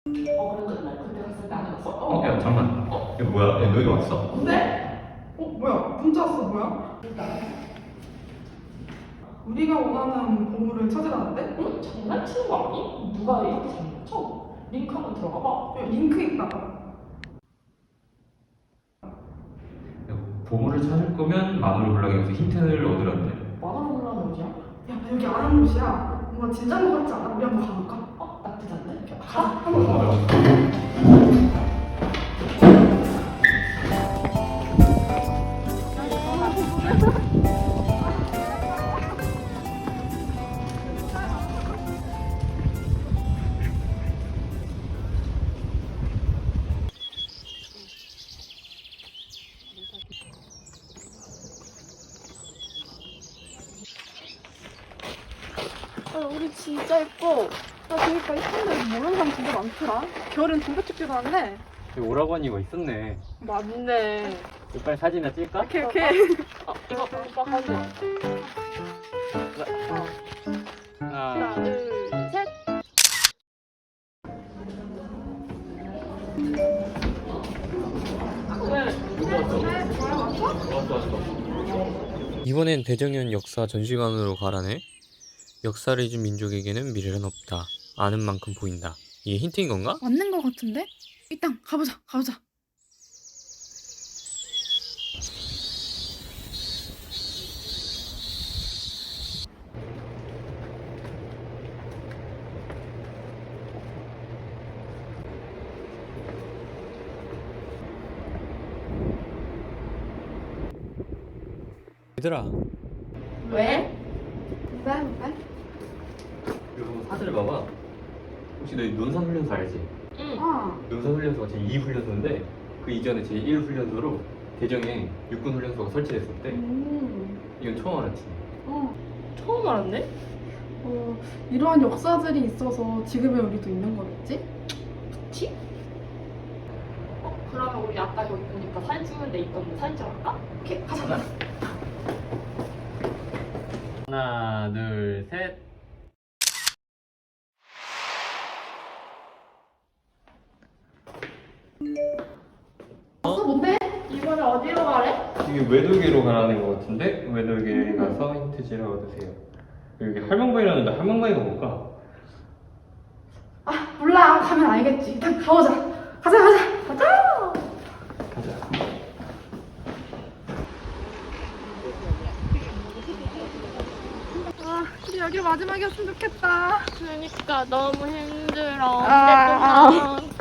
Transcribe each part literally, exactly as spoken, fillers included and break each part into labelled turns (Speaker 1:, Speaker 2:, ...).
Speaker 1: 어, 그래도 날 그때 갔을 때 안 해봤어?
Speaker 2: 어, 야, 잠깐만. 어, 이거 뭐야? 야, 너 여기 왔어?
Speaker 3: 뭔데? 어, 뭐야? 문자 왔어, 뭐야? 우리가 원하는 보물을 찾으라는데?
Speaker 1: 응? 장난치는 거 아니? 누가 이렇게 장난쳐? 링크 한번 들어가 봐.
Speaker 3: 야, 링크 있다.
Speaker 2: 야, 보물을 찾을 거면 마누를 불러서 힌트를 얻으라는데.
Speaker 1: 만화로 올라오면 어디야?
Speaker 3: 야, 나 여기 아는 곳이야. 뭔가 진짠 것 같지 않아? 우리 한번 가볼까?
Speaker 1: 어? 나쁘지 않네? 가?
Speaker 2: 어,
Speaker 1: 한번 가봐.
Speaker 2: 어,
Speaker 4: 아, 우리 진짜 예뻐. 나 그러니까 이쁜데 모르는 사람 진짜 많더라. 겨울엔 동백축제도 한대.
Speaker 2: 여기 오라고 이거 있었네.
Speaker 4: 맞네.
Speaker 2: 빨리 사진이나 찍을까?
Speaker 4: 오케이, 오케이.
Speaker 1: 어, 이거 오빠 가져.
Speaker 2: 하나,
Speaker 4: 하나, 둘, 셋.
Speaker 5: 이번엔 대정연 역사 전시관으로 가라네. 역사를 잊은 민족에게는 미래는 없다. 아는 만큼 보인다. 이게 힌트인 건가?
Speaker 4: 맞는 거 같은데? 일단 가보자, 가보자.
Speaker 5: 얘들아,
Speaker 1: 왜?
Speaker 4: 왜? 왜?
Speaker 2: 이거 사진을 봐봐. 혹시 너 논산 훈련소 알지?
Speaker 1: 응.
Speaker 4: 아,
Speaker 2: 논산 훈련소가 제이 훈련소인데 그 이전에 제일 훈련소로 대정에 육군 훈련소가 설치됐었대.
Speaker 4: 음,
Speaker 2: 이건 처음 알았지.
Speaker 4: 어,
Speaker 1: 처음 알았네?
Speaker 4: 어, 이러한 역사들이 있어서 지금의 우리도 있는 거겠지?
Speaker 1: 그치? 어, 그러면 우리 아까 여기 보니까 사진 찍는 데 있던 사진 찍을까?
Speaker 4: 오케이, 가자.
Speaker 2: 하나, 둘, 셋.
Speaker 4: 어, 뭔데?
Speaker 1: 이번에 어디로 가래?
Speaker 2: 이게 외돌개로 가라는 것 같은데 외돌개 가서 힌트지를 얻으세요. 여기 할망바위라는데 할망바위가 뭘까?
Speaker 4: 아, 몰라. 가면 알겠지. 일단 가보자. 가자, 가자. 가자.
Speaker 2: 가자.
Speaker 4: 아, 우리 여기 마지막이었으면 좋겠다.
Speaker 1: 그러니까 너무 힘들어.
Speaker 4: 아,
Speaker 1: 어쨌든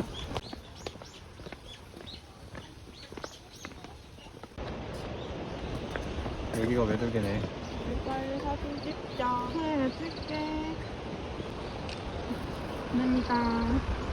Speaker 2: 여기가 외돌개네.
Speaker 1: 빨리 사진 찍자.
Speaker 4: 네, 찍게. 감사합니다.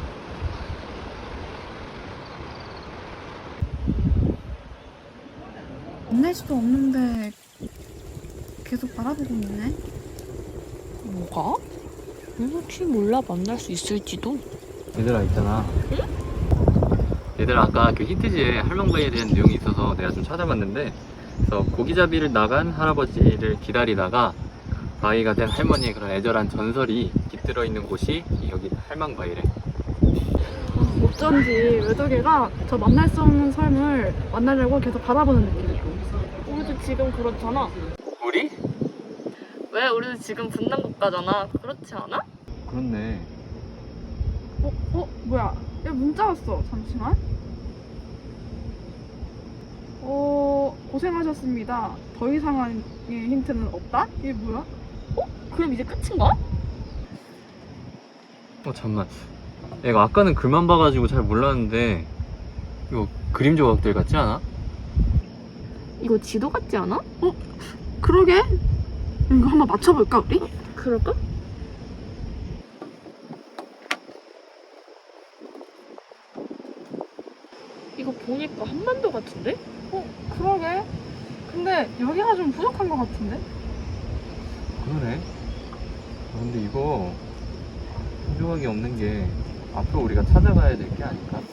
Speaker 4: 만날 수도 없는데 계속 바라보고 있네.
Speaker 1: 뭐가? 혹시 몰라 만날 수 있을지도.
Speaker 2: 얘들아 있잖아. 얘들아 아까 그 힌트지에 할망바위에 대한 내용이 있어서 내가 좀 찾아봤는데 그래서 고기잡이를 나간 할아버지를 기다리다가 바위가 된 할머니의 그런 애절한 전설이 깃들어 있는 곳이 여기 할망바위래.
Speaker 4: 어쩐지 외도계가 저 만날 수 없는 삶을 만나려고 계속 바라보는 느낌이고.
Speaker 1: 우리도 지금 그렇잖아.
Speaker 2: 우리?
Speaker 1: 왜? 우리도 지금 분단 국가잖아. 그렇지 않아?
Speaker 2: 그렇네.
Speaker 4: 어? 어? 뭐야? 야, 문자 왔어. 잠시만. 어... 고생하셨습니다. 더 이상의 힌트는 없다? 이게 뭐야?
Speaker 1: 그럼 이제 끝인가?
Speaker 2: 어 잠만. 내가 아까는 글만 봐가지고 잘 몰랐는데 이거 그림 조각들 같지 않아?
Speaker 1: 이거 지도 같지 않아?
Speaker 4: 그러게? 이거 한번 맞춰볼까 우리?
Speaker 1: 그럴까? 이거 보니까 한반도 같은데?
Speaker 4: 어? 그러게? 근데 여기가 좀 부족한 것 같은데?
Speaker 2: 그러네. 아, 근데 이거 조각이 없는 게 앞으로 우리가 찾아가야 될 게 아닐까?